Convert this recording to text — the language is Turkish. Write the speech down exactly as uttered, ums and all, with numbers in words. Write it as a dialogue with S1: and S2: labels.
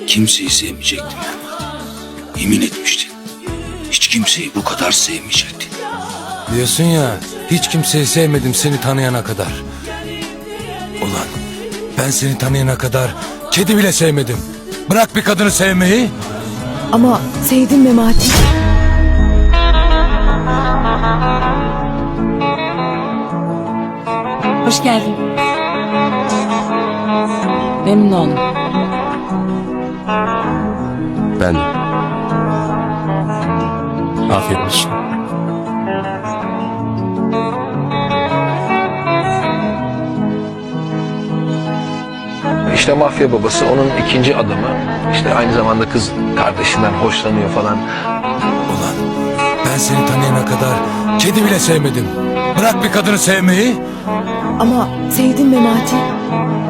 S1: kimseyi sevmeyecektin Memati. Yemin etmiştin. Hiç kimseyi bu kadar sevmeyecektin.
S2: Diyorsun ya, hiç kimseyi sevmedim seni tanıyana kadar. Ulan ben seni tanıyana kadar kedi bile sevmedim. Bırak bir kadını sevmeyi.
S3: Ama sevdim Memati.
S4: Hoş geldin. Memnun oldum.
S5: Ben de. Afiyet olsun.
S6: İşte mafya babası onun ikinci adamı. İşte aynı zamanda kız kardeşinden hoşlanıyor falan.
S2: Ulan ben seni tanıyana kadar kedi bile sevmedim. Bırak bir kadını sevmeyi.
S3: Ama sevdim Memati.